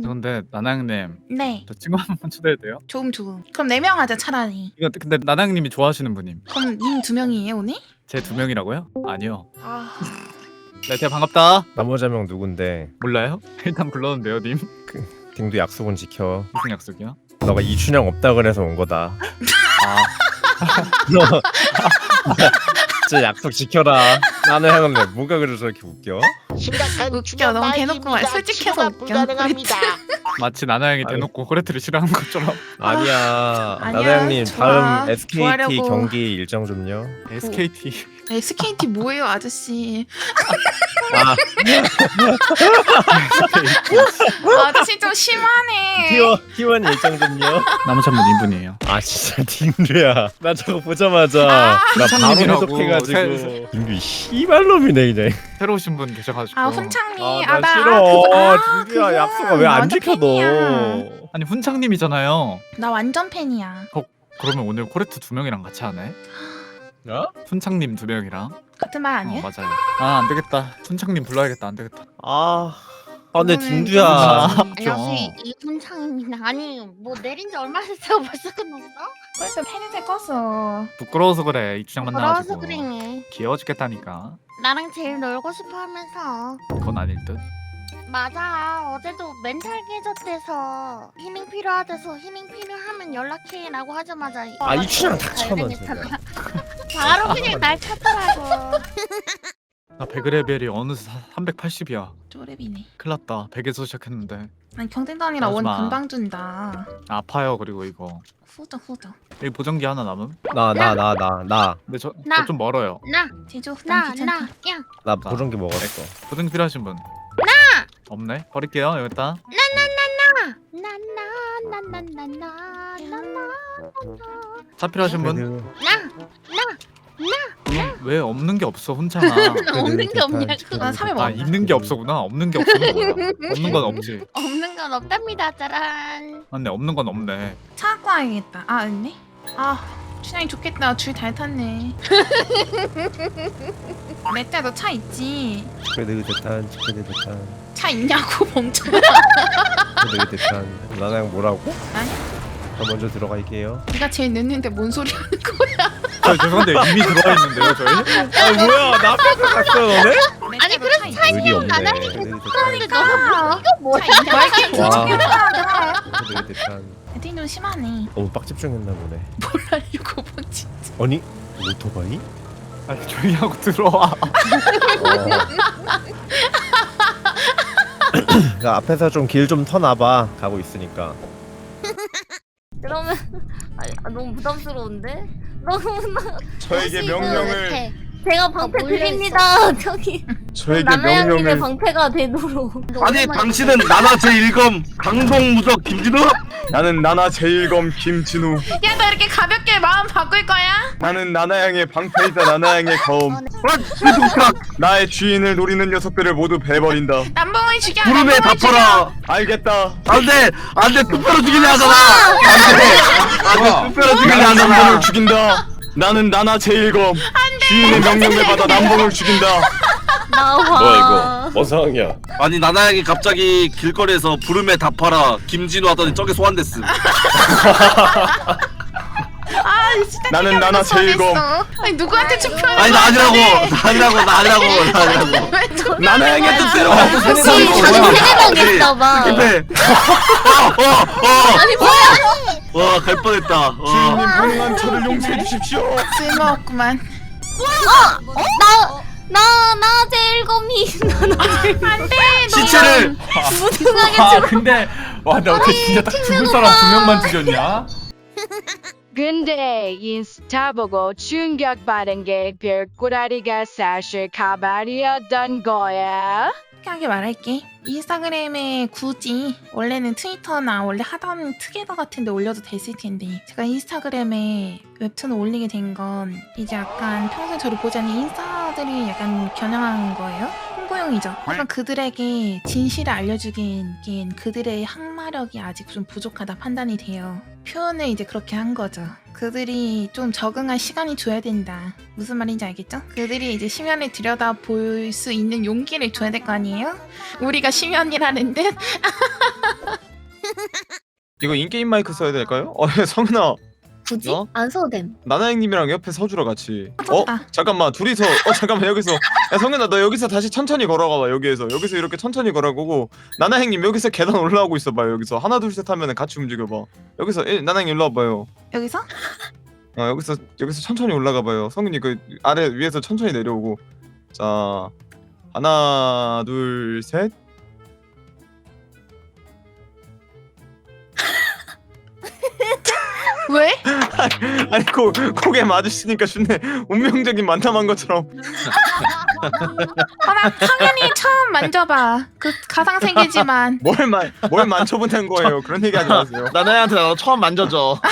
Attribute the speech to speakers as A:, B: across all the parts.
A: 근데 나나형님
B: 네.
A: 저 친구 한 번 초대해도 돼요?
B: 조금. 그럼 4명 하자 차라리.
A: 이거 근데 나나형님이 좋아하시는 분임.
B: 그럼 님 2명이에요 오늘?
A: 제 2명이라고요? 아니요.
B: 아.
A: 네, 대야 반갑다.
C: 나머지 한 명 누군데?
A: 몰라요? 일단 불렀는데요, 님.
C: 딩도 약속은 지켜.
A: 무슨 약속이요?
C: 너가 이춘향 없다 그래서 온 거다.
A: 아,
C: 너 진짜 약속 지켜라. 나는 하는데 뭐가 그래서 저렇게 웃겨?
B: 웃겨. 너무 대놓고 말 솔직해서 웃겨.
A: 마치 나나형이
C: 아니.
A: 대놓고 코레트를 싫어하는 것처럼.
C: 아니야.
B: 아니야,
C: 나나 형님
B: 좋아.
C: 다음 SKT
B: 좋아하려고.
C: 경기 일정 좀요.
A: SKT.
B: SKT 뭐예요 아저씨?
C: 아
B: 아저씨 좀 심하네.
C: T1 일정 좀요.
A: 나머지 한 분 이분이에요.
C: 아 진짜 딩두야. 나 저거 보자마자 나 바로
A: 훈창님이라고.
C: 해독해가지고 딩두 씨발놈이네 그냥.
A: 새로 오신 분 계셔가지고.
B: 아 훈창님.
C: 나
B: 나
C: 싫어.
B: 그거,
C: 딩두야 약속아 왜 안
B: 완전
C: 지켜 너?
B: 팬이야.
A: 아니 훈창님이잖아요.
B: 나 완전 팬이야.
A: 그러면 오늘 코레트 2명이랑 같이 하네?
C: 어?
A: 훈창님 2명이랑.
B: 같은 말 아니에요?
A: 맞아요. 아 안되겠다. 훈창님 불러야겠다. 안되겠다.
C: 근데 딩두야.
D: 안녕하세요 이훈창입니다. 아니 뭐 내린 지 얼마 됐어 벌써 끝났어?
B: 벌써 팬이들 껐어.
A: 부끄러워서 그래. 이주장
D: 돌아와서
A: 만나가지고.
D: 그래.
A: 귀여워 죽겠다니까.
D: 나랑 제일 놀고 싶어 하면서.
A: 그건 아닐 듯.
D: 맞아 어제도 멘탈 깨졌대서 힘이 필요하대서 힘이 필요하면 연락해 라고 하자마자
C: 이춘향 닥쳐 너 진짜.
D: 바로 그냥 날 찾더라고.
A: 나 배그레벨이 어느새 380이야.
B: 쪼렙이네.
A: 큰일났다. 100에서 시작했는데.
B: 아니 경쟁단이라 원
A: 하지마.
B: 금방 준다.
A: 아파요. 그리고 이거.
B: 후져.
A: 여기 보정기 하나 남음?
C: 나
A: 근데 저
D: 나.
A: 좀 멀어요.
B: 제주 후당 귀찮다.
D: 야
C: 보정기 먹었어.
A: 보정기 필요하신 분? 없네? 버릴게요. 여기다.
D: 나나나나나나나나나나
A: 차 필요하신 분? 그럼 왜 없는 게 없어 혼자나?
D: 없는 게 없냐고.
B: 난 3회
A: 아
B: 먹어.
A: 있는 게 없어구나. 없는 게 없으면 뭐야? 없는 건 없지.
D: 없는 건 없답니다 짜란.
A: 맞네. 없는 건 없네.
B: 차 갖고 와야겠다. 아 있네. 아 춘향이 좋겠다. 줄 잘 탔네. 맷자 너 차 있지?
C: 축배드 대탄.
B: 차 있냐고 멍청아.
C: 축배드 대탄. 나랑 뭐라고?
B: 아니.
C: 저 먼저 들어갈게요.
B: 네가 제일 늦는데 뭔 소리 하는 거야?
A: 저 죄송한데 이미 들어와 있는데요 저희?
C: 아 뭐야 나 앞에서 갔어 너네?
D: 아니, 그래서
C: 의리 없네.
D: 나나리
C: 축배드 대탄.
B: 그러니까
D: 이거 뭐야?
B: 차 있냐? 말게
C: 와.
B: 조심해라.
C: 축배드 대탄.
B: 애들이 좀 심하네.
C: 너무 빡 집중했나 보네.
B: 몰라요 본 진짜.
C: 아니 오토바이?
A: 아니 조용히 하고 들어와.
C: 그 앞에서 좀 길 좀 터놔봐. 가고 있으니까.
D: 그러면 너무 부담스러운데? 너무
E: 저에게 명령을
D: 제가 방패드립니다. 저기
E: 저에게
D: 나나양님의
E: 명령을
D: 방패가 되도록.
E: 아니 당신은 나나 제1검 강동무적 김진우? 나는 나나 제1검 김진우.
B: 야 너 이렇게 가볍게 마음 바꿀 거야?
E: 나는 나나양의 방패이자 나나양의 거움. 아, 나의 주인을 노리는 녀석들을 모두 베버린다.
B: 남봉을 죽여.
E: 구름에
B: 남봉을 죽여.
E: 덮어라. 알겠다. 안돼 뚝배로 죽이려 하잖아. 안돼 뚝배로 죽이려 하잖아. 남봉을 죽인다. 나는 나나 제1검 주인의 명령을 받아 남봉을 죽인다.
D: 나와.
C: 뭔 상황이야?
F: 아니 나나양이 갑자기 길거리에서 부름에 답하라 김진우 하더니 저게 소환됐음.
B: 아 진짜.
E: 나는 나나 제일검.
B: 아니 누구한테 투표하는
F: 아니 나 아니라고 나 아니라고.
B: 왜 투표?
F: 나나양의 뜻대로
D: 혹시 저기 세대방 계시나봐.
F: 근데
D: 아니 뭐야?
F: 와갈 뻔했다.
E: 주인님 불행한 저를 용서해 주십시오.
B: 쓸모없구만.
D: 나 제일검이
B: 안돼.
F: 시체를
D: 무등하게
A: 근데 와나 어떻게 진짜 딱 죽을 사람 2명만 죽였냐?
G: 근데 인스타 보고 충격받은 게 별꼬다리가 사실 가발이었던 거야.
B: 솔직하게 말할게. 인스타그램에 굳이 원래는 트위터나 원래 하던 트게더 같은 데 올려도 됐을 텐데 제가 인스타그램에 웹툰을 올리게 된 건 이제 약간 평소에 저를 보지 않는 인싸들이 약간 겨냥한 거예요. 홍보용이죠. 하지만 그들에게 진실을 알려주기엔 그들의 항마력이 아직 좀 부족하다 판단이 돼요. 표현을 이제 그렇게 한 거죠. 그들이 좀 적응할 시간이 줘야 된다. 무슨 말인지 알겠죠? 그들이 이제 심연을 들여다 볼 수 있는 용기를 줘야 될 거 아니에요? 우리가 심연이라는 듯?
E: 이거 인게임 마이크 써야 될까요? 성은아
H: 굳이?
E: 어?
H: 안 써도 됨.
E: 나나형님이랑 옆에 서주라 같이.
B: 좋다.
E: 잠깐만 둘이서 잠깐만 여기서 야 성현아 너 여기서 다시 천천히 걸어가봐. 여기서 이렇게 천천히 걸어가고 나나형님 여기서 계단 올라오고 있어봐요. 여기서 하나 둘 셋 하면은 같이 움직여봐. 여기서 나나형님 일로 와봐요.
B: 여기서?
E: 여기서 천천히 올라가봐요. 성현이 그 아래 위에서 천천히 내려오고. 자 하나 둘 셋.
B: 왜?
E: 아니 고개 마주치니까 준네 운명적인 만남한 것처럼.
B: 나 당연히 처음 만져봐. 그 가상세계지만.
E: 뭘 만져보는 거예요. 그런 얘기 하지 마세요.
C: 나나한테 나도 처음 만져줘.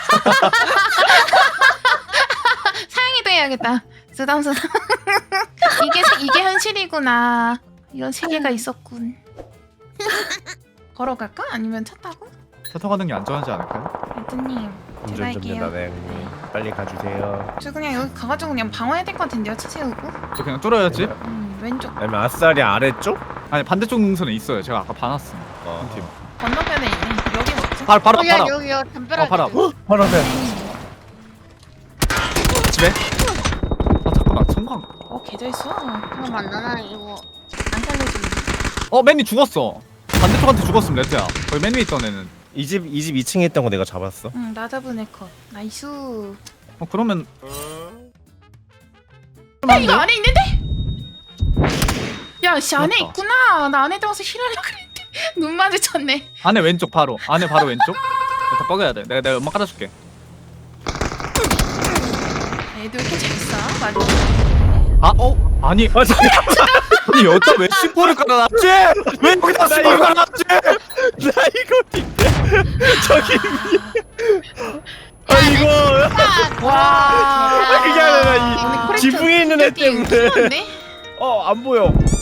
B: 사양이도 해야겠다. 쓰담쓰담. 이게 현실이구나. 이런 세계가 있었군. 걸어갈까? 아니면 차 타고?
A: 차 타고 가는 게 안전하지 않을까요?
B: 레드님 제가
C: 운전 좀
B: 할게요.
C: 나나형님 빨리 가주세요.
B: 저 그냥 여기 가가지고 그냥 방어해야 될 것 같은데요. 차 세우고.
A: 저 그냥 뚫어야지.
B: 왼쪽
C: 아니면 아싸리 아래쪽?
A: 아니 반대쪽 능선에 있어요. 제가 아까 봐놨어.
C: 어.
A: 팀.
B: 건너편에 있네. 여기 먹자.
A: 바로
D: 야
A: 바로.
D: 여기요 담벼락.
A: 바로.
C: 바로 앞에.
A: 집에. 아 잠깐만 성광.
B: 개잘 써.
D: 잠깐만 나나 이거
B: 안 살려주네.
A: 맨이 죽었어. 반대쪽한테 죽었음 레트야. 거기 맨 위에 있던 애는.
C: 이 집 2층에 있던 거 내가 잡았어.
B: 응, 나 잡은 애 컷. 나이스.
A: 그러면
B: 이거 안에 있는데? 야, 씨 안에
A: 맞다.
B: 있구나. 나 안에 들어가서 힐하려고 그랬는데 눈 마주쳤네.
A: 안에 왼쪽 바로. 안에 바로 왼쪽. 다 뻐겨야 돼. 내가 연막 깔아줄게.
B: 애들 왜 이렇게 잘 써? 맞아.
A: 아니. 아니 여자 왜 C4를 깔아놨지? 왜 여기다 C4를 깔아놨지?
C: 나 이거 저기 이거
B: 와.
C: 그게 아니라 이
B: 오늘 코렉트
C: 지붕에 있는 애
B: 게임
C: 때문에.
B: 심한데?
C: 안 보여.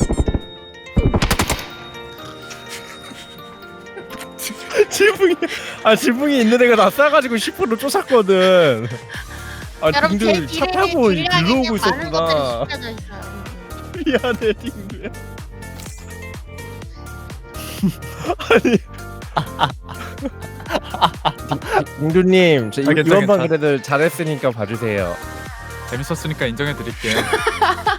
C: 지붕이 있는 애가 나 싸가지고 10%로 쫓았거든.
D: 여러분 제
C: 딩들 차
D: 뒤에
C: 타고
D: 길이랑
C: 일로
D: 이제
C: 오고
D: 많은 것들이
C: 있었구나.
D: 숨겨져 있어요.
C: 미안해 딩들. 딩두님
A: 괜찮아,
C: 이번 판
A: 괜찮아.
C: 그래도 잘했으니까 봐주세요.
A: 재밌었으니까 인정해드릴게요.